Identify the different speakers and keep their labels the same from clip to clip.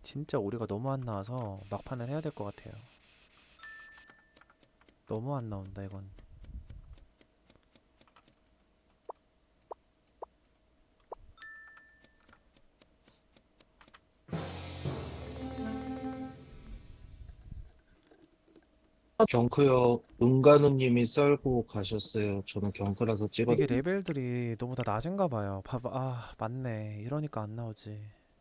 Speaker 1: 진짜 오리가 너무 안 나와서 막판을 해야 될 것 같아요. 너무 안 나온다 이건.
Speaker 2: 경크요. 은간우님이 썰고 가셨어요. 저는 경크라서
Speaker 1: 이게
Speaker 2: 찍었는데.
Speaker 1: 레벨들이 너무 다 낮은가 봐요. 봐봐, 아 맞네. 이러니까 안 나오지.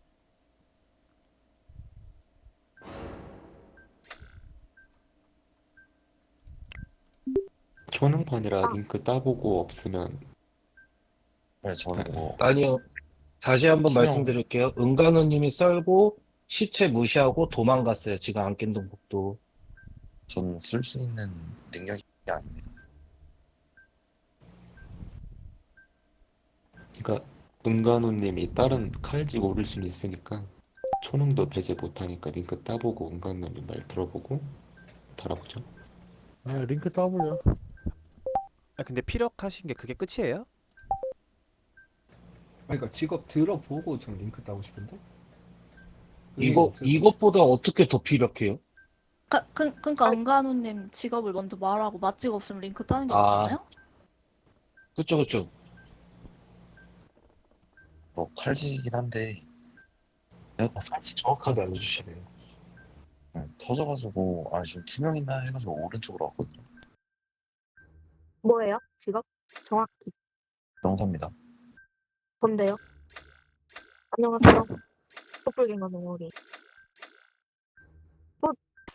Speaker 3: 초능판이라 링크 따보고 없으면
Speaker 4: 네, 저는 뭐
Speaker 2: 아니요. 다시 한번
Speaker 4: 투명
Speaker 2: 말씀드릴게요. 은간우님이 썰고 시체 무시하고 도망갔어요. 지금 안낀동북도.
Speaker 4: 전 쓸 수 있는 능력이 아닙니다.
Speaker 3: 그러니까 은간우님이 다른 칼지고 오를 수는 있으니까 초능도 배제 못하니까 링크 따보고 은간우님 말 들어보고 달아보죠.
Speaker 5: 아, 링크 따블려.
Speaker 1: 아 근데 피력하신 게 그게 끝이에요?
Speaker 6: 그러니까 직업 들어보고 좀 링크 따고 싶은데?
Speaker 2: 이것보다 어떻게 더 피력해요?
Speaker 7: 그러니까 은간우님 직업을 먼저 말하고 맛집 없으면 링크 따는 게
Speaker 2: 아.
Speaker 7: 낫잖아요?
Speaker 2: 그쵸.
Speaker 4: 뭐 칼지긴 한데 살짝 정확하게 알려주시네요. 네, 터져가지고 좀 투명 있나 해가지고 오른쪽으로 왔거든요.
Speaker 8: 뭐예요? 직업? 정확히.
Speaker 4: 명사입니다.
Speaker 8: 뭔데요? 안녕하세요. 촛불갱과 동물이. 뭐,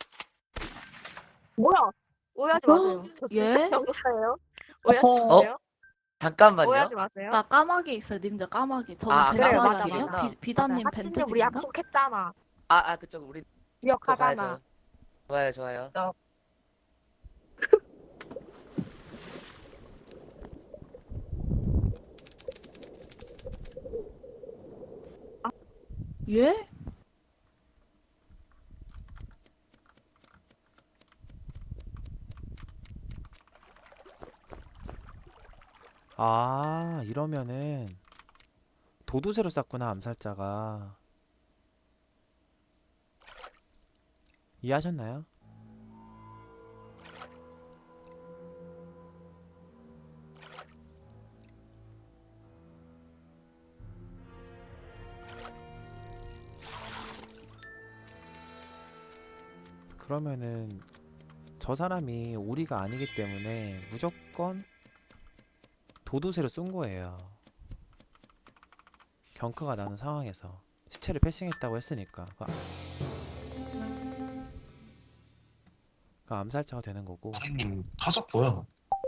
Speaker 8: 뭐야? 오해하지 마세요. 저 진짜
Speaker 7: 예?
Speaker 8: 병사예요. 오해하지
Speaker 9: 어허.
Speaker 8: 마세요.
Speaker 9: 잠깐만요.
Speaker 8: 오해하지 마세요.
Speaker 7: 나 까마귀 있어요, 님들 까마귀. 저는
Speaker 9: 아,
Speaker 7: 벤트지
Speaker 8: 그래요, 맞아,
Speaker 7: 아니에요?
Speaker 8: 맞아.
Speaker 7: 비단님
Speaker 8: 하치님 우리
Speaker 7: 벤트지인가?
Speaker 8: 약속했잖아.
Speaker 9: 그쪽 우리 또
Speaker 8: 기억하잖아.
Speaker 9: 가야죠. 좋아요, 좋아요.
Speaker 7: 예?
Speaker 1: 아 이러면은 도두새로 쌌구나 암살자가. 이해하셨나요? 그러면은 저 사람이 오리가 아니기 때문에 무조건 도두새로 쏜 거예요. 경크가 나는 상황에서 시체를 패싱했다고 했으니까 그 암살자가 되는 거고.
Speaker 4: 선생님 터졌고요.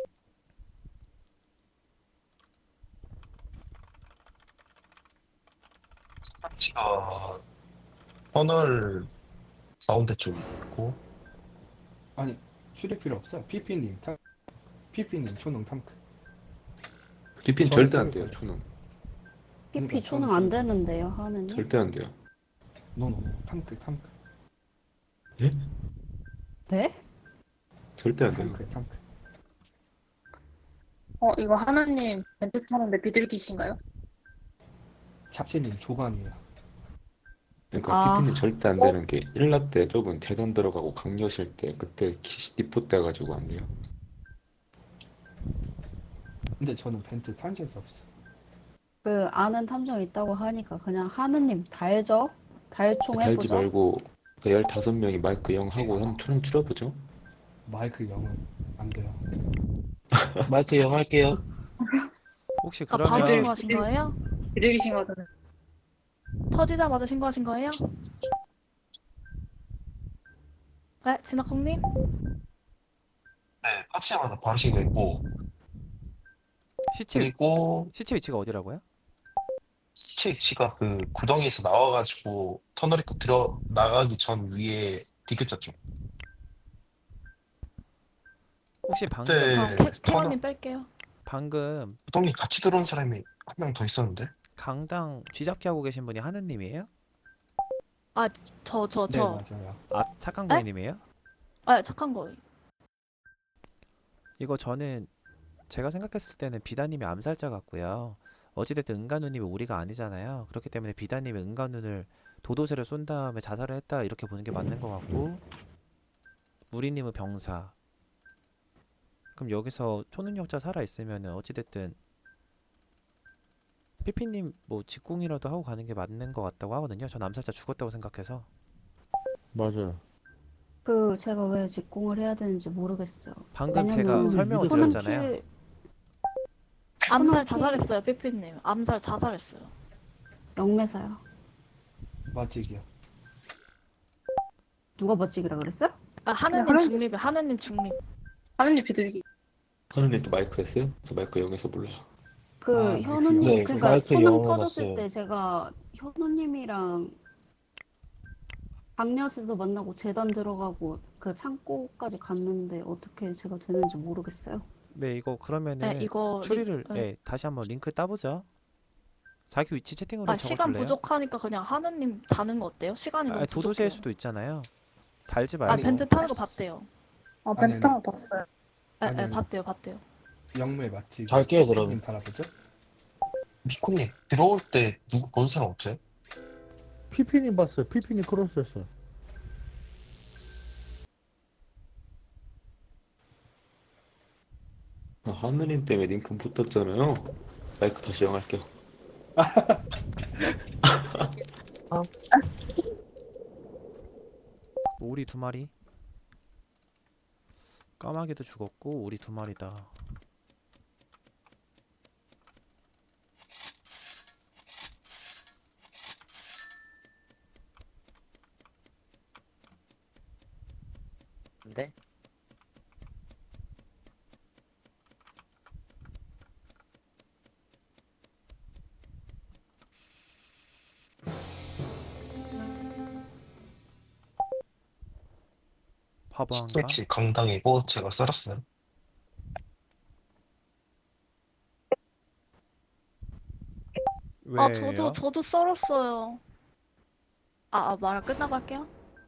Speaker 4: 스타치가 터널 가운데 쪽에 있고
Speaker 6: 아니, 출입 필요 없어요. 피피님 초능 탐크.
Speaker 3: 리핀
Speaker 6: 저는
Speaker 3: 절대 안
Speaker 6: 그럴
Speaker 3: 돼요.
Speaker 6: 거예요.
Speaker 3: 초능
Speaker 6: 그러니까
Speaker 10: TP 초능 안 되는데요, 하느님?
Speaker 3: 절대 안 돼요.
Speaker 6: 노노, 탐크.
Speaker 3: 예?
Speaker 10: 네?
Speaker 3: 절대 안 돼요.
Speaker 6: 탐크.
Speaker 11: 이거 하나님 벤트 타는데 비둘기신가요?
Speaker 6: 찹시님 조반이에요.
Speaker 3: 그러니까
Speaker 10: 아.
Speaker 3: 피피님 절대 안 되는 게 일라 때 저분 재단 들어가고 강요실 때 그때 디포 떼가지고 안 돼요.
Speaker 6: 근데 저는 벤트 탄 적이 없어.
Speaker 10: 그 아는 탐정 있다고 하니까 그냥 하느님 달죠? 달총
Speaker 3: 달지
Speaker 10: 해보죠?
Speaker 3: 말고 15명이 마이크 0 하고 한 초능 줄여보죠.
Speaker 6: 마이크 0은 안 돼요.
Speaker 2: 마이크 영 할게요.
Speaker 1: 혹시
Speaker 7: 그러니까 바로
Speaker 1: 그러면
Speaker 7: 신고하신 거예요?
Speaker 11: 비둘기신 거잖아요.
Speaker 7: 터지자마자 신고하신 거예요? 네, 진학콩님?
Speaker 4: 네, 터치자마자 바로 신고했고
Speaker 1: 시체
Speaker 4: 그리고
Speaker 1: 시체 위치가 어디라고요?
Speaker 4: 시체 위치가 그 구덩이에서 나와가지고 터널 입구 들어 나가기 전 위에 디귿자 쪽.
Speaker 1: 혹시 방금
Speaker 4: 그때
Speaker 7: 그럼
Speaker 4: 터널
Speaker 7: 캐머님 뺄게요.
Speaker 1: 방금
Speaker 4: 구덩이 같이 들어온 사람이 한 명 더 있었는데.
Speaker 1: 강당 쥐잡기 하고 계신 분이 하느님이에요?
Speaker 7: 저.
Speaker 6: 네, 맞아요.
Speaker 1: 아 착한
Speaker 7: 에?
Speaker 1: 고객님이에요?
Speaker 7: 착한 거예요.
Speaker 1: 이거 저는 제가 생각했을 때는 비다님이 암살자 같고요. 어찌됐든 은간우님이 오리가 아니잖아요. 그렇기 때문에 비다님이 은간우를 도도새를 쏜 다음에 자살을 했다 이렇게 보는 게 맞는 것 같고 우리님은 병사. 그럼 여기서 초능력자 살아 있으면은 어찌됐든 피피님 뭐 직궁이라도 하고 가는 게 맞는 것 같다고 하거든요. 전 암살자 죽었다고 생각해서.
Speaker 5: 맞아요.
Speaker 10: 제가 왜 직공을 해야 되는지 모르겠어요.
Speaker 1: 방금 제가
Speaker 10: 왜냐면
Speaker 1: 설명을
Speaker 5: 믿으세요.
Speaker 1: 드렸잖아요.
Speaker 7: 암살
Speaker 10: 코너킬
Speaker 7: 자살했어요, 삐삐님. 암살 자살했어요.
Speaker 10: 영매사요.
Speaker 6: 맞직이요.
Speaker 10: 누가 멋지기라 그랬어요?
Speaker 7: 아, 하느님
Speaker 11: 하는-
Speaker 7: 중립이에요. 하느님 중립.
Speaker 11: 하느님 비둘기.
Speaker 3: 하느님 또 마이크 했어요? 저 마이크 영에서 몰라요.
Speaker 10: 현우님,
Speaker 2: 네,
Speaker 10: 그러니까
Speaker 2: 마이크
Speaker 10: 초능
Speaker 2: 영어
Speaker 10: 터졌을
Speaker 2: 봤어요.
Speaker 10: 때 제가 현우님이랑 박녀수도 만나고 재단 들어가고 그 창고까지 갔는데 어떻게 제가 되는지 모르겠어요.
Speaker 1: 네, 이거
Speaker 7: 네,
Speaker 1: 그러면은
Speaker 7: 이거
Speaker 1: 추리를
Speaker 7: 네.
Speaker 1: 네, 다시 한번 링크 따보죠. 자기 위치 채팅으로
Speaker 7: 아, 시간
Speaker 1: 적어줄래요?
Speaker 7: 부족하니까 그냥 하느님 다는 거 어때요? 시간이 너무
Speaker 1: 도도새일
Speaker 7: 부족해요.
Speaker 1: 수도 있잖아요. 달지
Speaker 7: 아,
Speaker 1: 말고.
Speaker 7: 벤트 타는 거 봤대요.
Speaker 11: 벤트
Speaker 6: 아니요.
Speaker 11: 탄 거 봤어요.
Speaker 7: 네,
Speaker 6: 아니요.
Speaker 7: 봤대요.
Speaker 6: 영매 맞직.
Speaker 2: 갈게요, 그럼.
Speaker 6: 님 바라보죠?
Speaker 4: 미코님 들어올 때 누구 본 사람 없어요?
Speaker 5: 피피님 봤어요. 피피님 크로스했어요.
Speaker 3: 하느님 때문에 링크 붙었잖아요. 마이크 다시 영할게요.
Speaker 1: 오리 2마리. 까마귀도 죽었고 오리 2마리다.
Speaker 9: 근데
Speaker 1: 바보한가?
Speaker 4: 스위치 강당이고 제가 썰었어요.
Speaker 7: 아,
Speaker 1: 왜요?
Speaker 7: 저도 썰었어요. 말 끝나고 할게요.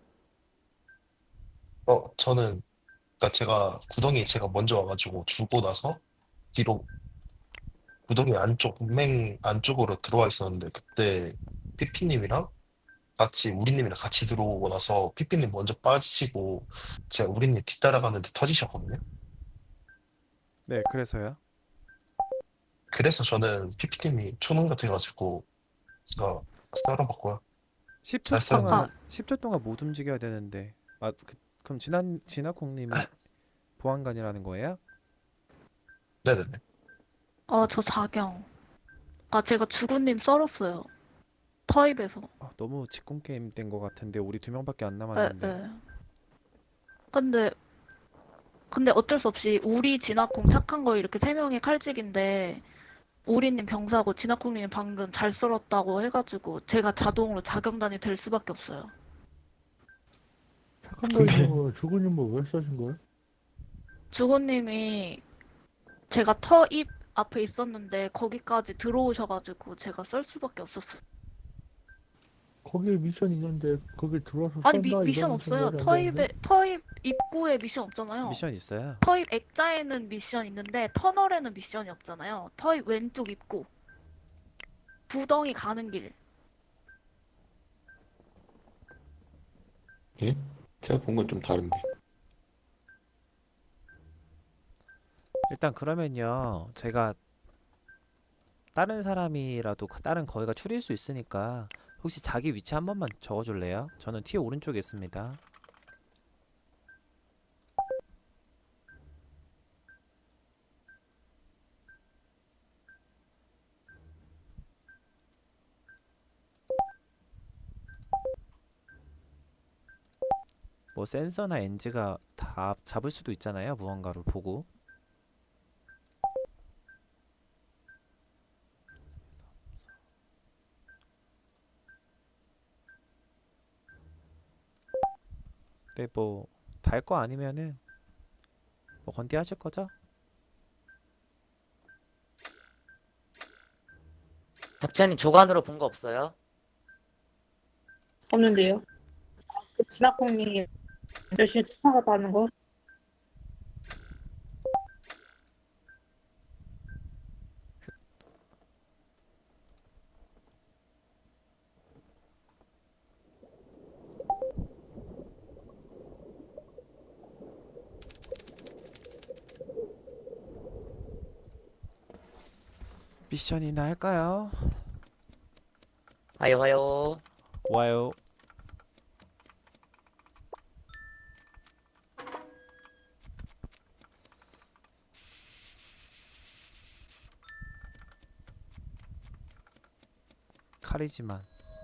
Speaker 4: 저는 그러니까 제가 구덩이 제가 먼저 와가지고 주고 나서 뒤로 구덩이 안쪽 맨 안쪽으로 들어와 있었는데 그때 피피님이랑 같이 우리님이랑 같이 들어오고 나서 피피님 먼저 빠지시고 제가 우리님 뒤따라가는데 터지셨거든요.
Speaker 1: 네, 그래서요.
Speaker 4: 그래서 저는 피피님이 초능 같아가지고 제가 썰어봤고요.
Speaker 1: 10초
Speaker 4: 잘 썰었네.
Speaker 1: 동안 10초 동안 못 움직여야 되는데. 그럼 진화콩님이 보안관이라는 거예요?
Speaker 4: 네네네.
Speaker 7: 저 자경. 제가 주구님 썰었어요. 터입에서.
Speaker 1: 너무 직공 게임 된 것 같은데 우리 2명밖에 안
Speaker 7: 네,
Speaker 1: 남았는데.
Speaker 7: 네. 근데 어쩔 수 없이 우리 진화콩 착한 거 이렇게 3명이 칼직인데 우리님 병사고 진화콩님 방금 잘 썰었다고 해가지고 제가 자동으로 자경단이 될 수밖에 없어요.
Speaker 5: 착한 거이님은 죽은님 뭐왜 써신 거예요?
Speaker 7: 주구님이 제가 터입 앞에 있었는데 거기까지 들어오셔가지고 제가 썰 수밖에 없었어요.
Speaker 5: 거기에 미션 있는데 거기 들어와서
Speaker 7: 아니
Speaker 5: 쏜다
Speaker 7: 미션
Speaker 5: 이러면 좀
Speaker 7: 없어요.
Speaker 5: 말이 안 되는데?
Speaker 7: 터입 입구에 미션 없잖아요.
Speaker 1: 미션 있어요.
Speaker 7: 터입 액자에는 미션 있는데 터널에는 미션이 없잖아요. 터입 왼쪽 입구. 구덩이 가는 길.
Speaker 3: 예? 제가 본 건 좀 다른데.
Speaker 1: 일단 그러면요. 제가 다른 사람이라도 다른 거기가 추릴 수 있으니까 혹시 자기 위치 한 번만 적어줄래요? 저는 티 오른쪽에 있습니다. 뭐 센서나 엔지가 다 잡을 수도 있잖아요. 무언가를 보고. 근데 뭐 달 거 아니면은 뭐 건디 하실 거죠?
Speaker 9: 잡지현님 조간으로 본 거 없어요?
Speaker 11: 없는데요. 진학콩님 열심히 쫓아갔다는 거.
Speaker 1: 미션이나 할까요?
Speaker 9: 하요 하요.
Speaker 1: 와요. 칼이지만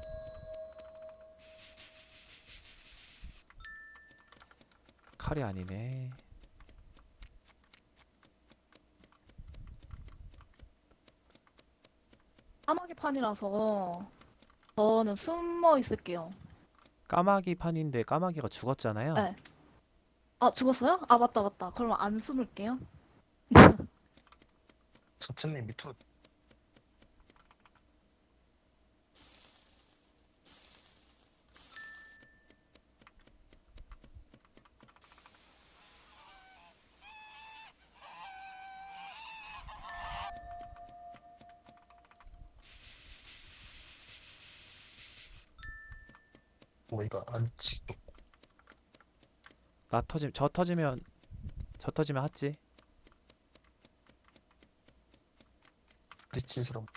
Speaker 1: 칼이 아니네.
Speaker 7: 까마귀 판이라서 저는 숨어 있을게요.
Speaker 1: 까마귀 판인데 까마귀가 죽었잖아요.
Speaker 7: 네. 아, 죽었어요? 아, 맞다, 맞다. 그러면 안 숨을게요.
Speaker 4: 서천님 밑으로 뭐 이거 안 찍고
Speaker 1: 저 터지면 하지.
Speaker 4: 미친 사람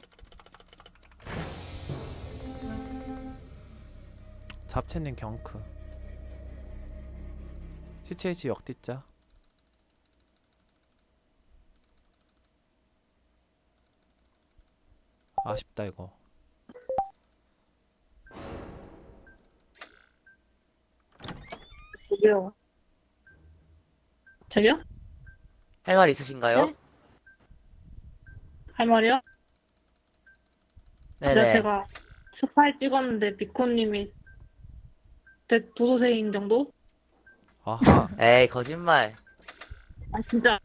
Speaker 1: 잡채님 경크. CCH 역디자. 아쉽다 이거.
Speaker 11: 저기요. 저기요?
Speaker 9: 할 말 있으신가요?
Speaker 7: 네?
Speaker 11: 할 말이요?
Speaker 9: 네네.
Speaker 11: 제가 스파이 찍었는데 비코님이 도도새인 정도?
Speaker 1: 아하.
Speaker 9: 에이 거짓말.
Speaker 11: 아 진짜.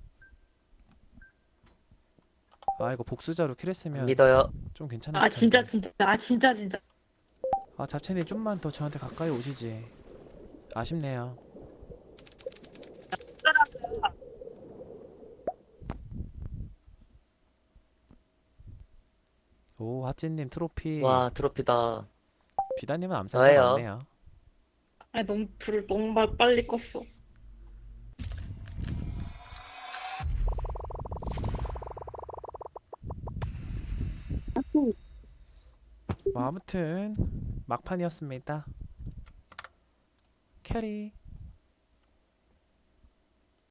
Speaker 1: 아 이거 복수자로
Speaker 9: 안
Speaker 1: 킬했으면
Speaker 9: 믿어요.
Speaker 1: 좀 괜찮았을
Speaker 11: 아 진짜
Speaker 1: 텐데.
Speaker 11: 진짜. 아 진짜 진짜.
Speaker 1: 아 잡채님 좀만 더 저한테 가까이 오시지. 아쉽네요. 오 하찌님 트로피.
Speaker 9: 와 트로피다.
Speaker 1: 비다님은 암살자
Speaker 9: 저예요.
Speaker 1: 맞네요.
Speaker 11: 아 너무 불을 너무 빨리 껐어.
Speaker 1: 뭐 아무튼 막판이었습니다. 캐리.